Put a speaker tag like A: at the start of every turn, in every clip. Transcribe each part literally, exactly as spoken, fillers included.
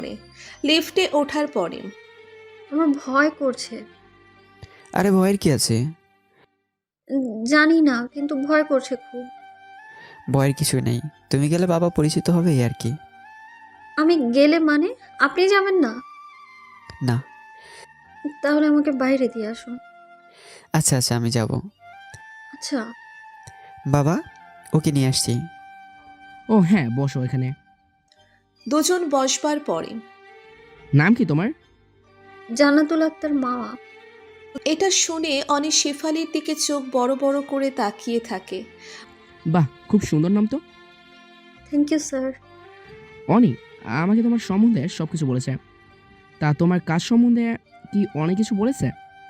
A: লিফটে ওঠার পরে
B: আমার ভয় করছে।
C: আরে ভয়ের কি আছে?
B: উম, জানি না, কিন্তু ভয় করছে খুব।
C: ভয়ের কিছু নেই, তুমি গেলে বাবা পরিচিত হবে এই আর কি।
B: আমি গেলে মানে আপনি যাবেন না?
C: না।
B: তাহলে আমাকে বাইরে দিয়ে আসুন।
C: আচ্ছা আচ্ছা আমি যাব।
B: আচ্ছা।
C: বাবা, ওকে নিয়ে আসছি।
D: ও হ্যাঁ, বসো এখানে।
A: দুজন বসবার পরে
D: নাম কি তোমার?
B: জান্নাতুল আক্তার মাওয়া।
A: এটা শুনে অনি শেফালির দিকে চোখ বড় বড় করে তাকিয়ে থাকে।
D: বাহ, খুব সুন্দর নাম তো।
B: Thank you sir.
D: অনি আমাকে তোমার সম্বন্ধে সব কিছু বলেছে। তা তোমার কাজ সম্বন্ধে কি অনেক কিছু বলেছে?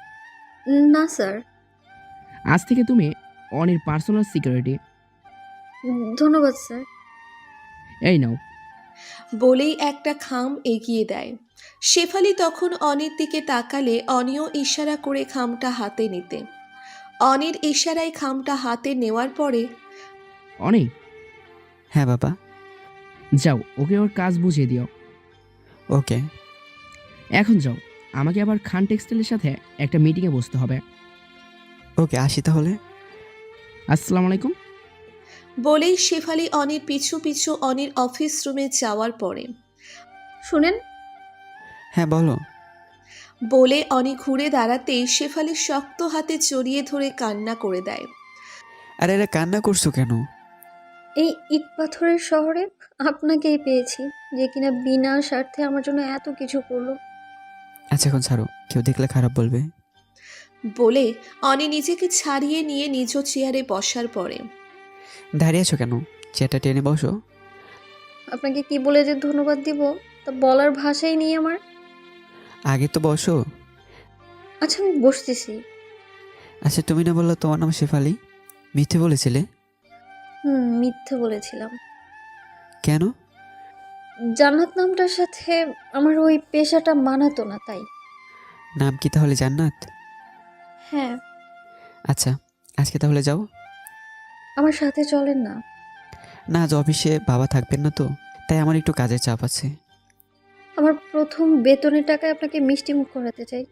B: না স্যার।
D: আজ থেকে তুমি অনির পার্সোনাল সিকিউরিটি।
B: ধন্যবাদ স্যার।
D: এই নাও।
A: বলেই একটা খাম এগিয়ে দেয়। শেফালি তখন অনির দিকে তাকালে অনিও ইশারা করে খামটা হাতে নিতে। অনির ইশারায় খামটা হাতে নেওয়ার পরে
D: অনি,
C: হ্যাঁ বাবা।
D: যাও ওকে ওর কাজ বুঝিয়ে দিও।
C: ওকে।
D: এখন যাও, আমাকে আবার খান টেক্সটাইলের সাথে একটা মিটিংয়ে বসতে হবে।
C: ওকে আসি তাহলে।
D: আসসালামু আলাইকুম।
A: বলেই শেফালি অনির পিছু পিছু অনির অফিস রুমে যাওয়ার পরে
B: শুনেন,
C: হ্যাঁ বলো।
A: বলে অনি ঘুরে দাঁড়াতেই শেফালি শক্ত হাতে জড়িয়ে ধরে কান্না করে দেয়।
C: আরে আরে কান্না করছো কেন?
B: এই ইট পাথরের শহরে আপনাকেই পেয়েছি, যে কিনা বিনা স্বার্থে আমার জন্য এত কিছু করলো।
C: আচ্ছা এখন ছাড়ো, কেউ দেখলে খারাপ বলবে।
A: বলে অনি নিজেকে ছাড়িয়ে নিয়ে নিজ চেয়ারে বসার পরে
C: দাঁড়িয়ে আছো কেন? চেয়ারটা টেনে বসো।
B: আপনাকে কি বলে যে ধন্যবাদ দিব তা বলার ভাষাই নেই আমার।
C: আগে তো বসো।
B: আচ্ছা আমি বসতেছি।
C: আচ্ছা তুমি না বললো তোমার নাম শেফালি? মিথ্যে বলেছিলে?
B: হুম, মিথ্যে বলেছিলাম।
C: কেন?
B: জান্নাত নামটার সাথে আমার ওই পেশাটা মানাতো না, তাই।
C: নাম কি তাহলে জান্নাত?
B: হ্যাঁ।
C: আচ্ছা আজকে তাহলে যাও।
B: আমার সাথে চলেন না?
C: না আজ অফিসে বাবা থাকবেন না তো, তাই আমার একটু কাজের চাপ আছে।
B: আমার প্রথম বেতনের টাকায় আপনাকে মিষ্টি মুখ করাতে চাই।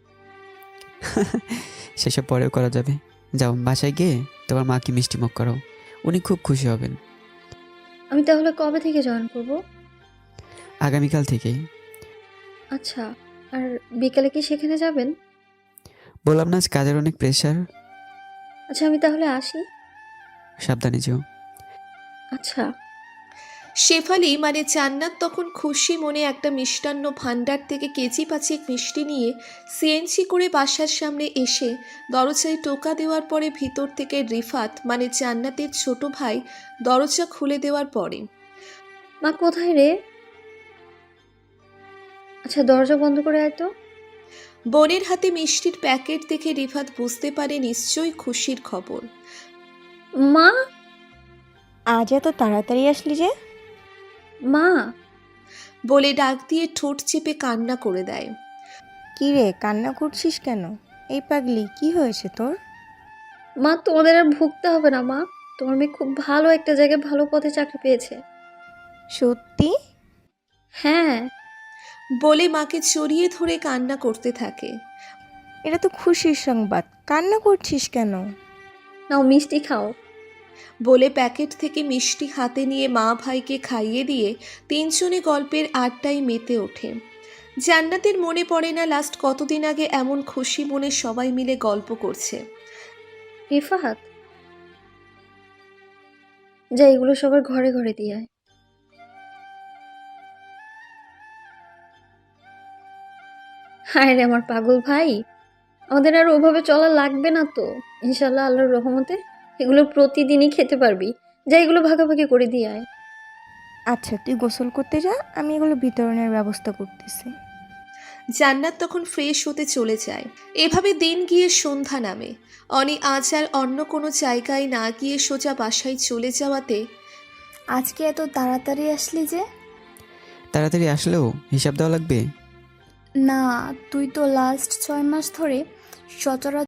C: সেসব পরেও করা যাবে। যাও বাসায় গিয়ে তোমার মাকে মিষ্টি মুখ করাও, উনি খুব খুশি হবেন।
B: আমি তাহলে কবে থেকে জয়েন করব?
C: আগামীকাল থেকেই।
B: আচ্ছা। আর বিকালে কি সেখানে যাবেন?
C: বললাম না আজ কাজের অনেক প্রেশার।
B: আচ্ছা আমি তাহলে আসি।
C: সাবধানে যেও।
B: আচ্ছা।
A: শেফালি মানে জান্নাত তখন খুশি মনে একটা মিষ্টান্ন ভাণ্ডার থেকে কেজি পাঁচেক মিষ্টি নিয়ে সিএনজি করে বাসার সামনে এসে দরজায় টোকা দেওয়ার পরে ভিতর থেকে রিফাত মানে জান্নাতের ছোট ভাই দরজা খুলে দেওয়ার পরে
B: মা কোথায় রে? আচ্ছা দরজা বন্ধ করে আয় তো।
A: বোনের হাতে মিষ্টির প্যাকেট দেখে রিফাত বুঝতে পারে নিশ্চয়ই খুশির খবর।
B: মা।
E: আজ এত তাড়াতাড়ি আসলি যে?
B: মা।
A: বলে ডাক দিয়ে ঠোঁট চেপে কান্না করে দেয়।
E: কি রে, কান্না করছিস কেন? এই পাগলি, কি হয়েছে তোর?
B: মা তোমাদের আর ভুগতে হবে না মা। তোমার মেয়ে খুব ভালো একটা জায়গায় ভালো পদে চাকরি পেয়েছে।
E: সত্যি?
B: হ্যাঁ।
A: বলে মাকে জড়িয়ে ধরে কান্না করতে থাকে।
E: এটা তো খুশির সংবাদ, কান্না করছিস কেন?
B: নাও মিষ্টি খাও।
A: বলে প্যাকেট থেকে মিষ্টি হাতে নিয়ে মা ভাইকে খাইয়ে দিয়ে তিনজনে গল্পের আড্ডায় মেতে ওঠে। জান্নাতের মনে পড়ে না লাস্ট কতদিন আগে এমন খুশি মনে সবাই মিলে গল্প করছে।
B: রিফাত, যা এগুলো সবার ঘরে ঘরে দিয়ে আয়। হায় রে আমার পাগল ভাই, আমাদের আর ওভাবে চলা লাগবে না তো। ইনশাল্লাহ আল্লাহর রহমতে এগুলো প্রতিদিনই খেতে পারবি। যা এগুলো ভাগাভাগি করে দিয়ে আয়।
E: আচ্ছা তুই গোসল করতে যা, আমি এগুলো বিতরণের ব্যবস্থা করতেছি।
A: জান্নাত তখন ফ্রেশ হতে চলে যায়। এভাবে দিন গিয়ে সন্ধ্যা নামে। অনি আজ আর অন্য কোনো জায়গায় না গিয়ে সোজা বাসায় চলে যাওয়াতে
F: আজকে এত তাড়াতাড়ি আসলি যে?
C: তাড়াতাড়ি আসলেও হিসাব দেওয়া লাগবে।
F: না, তুই তো লাস্ট ছয় মাস ধরে সচরাচর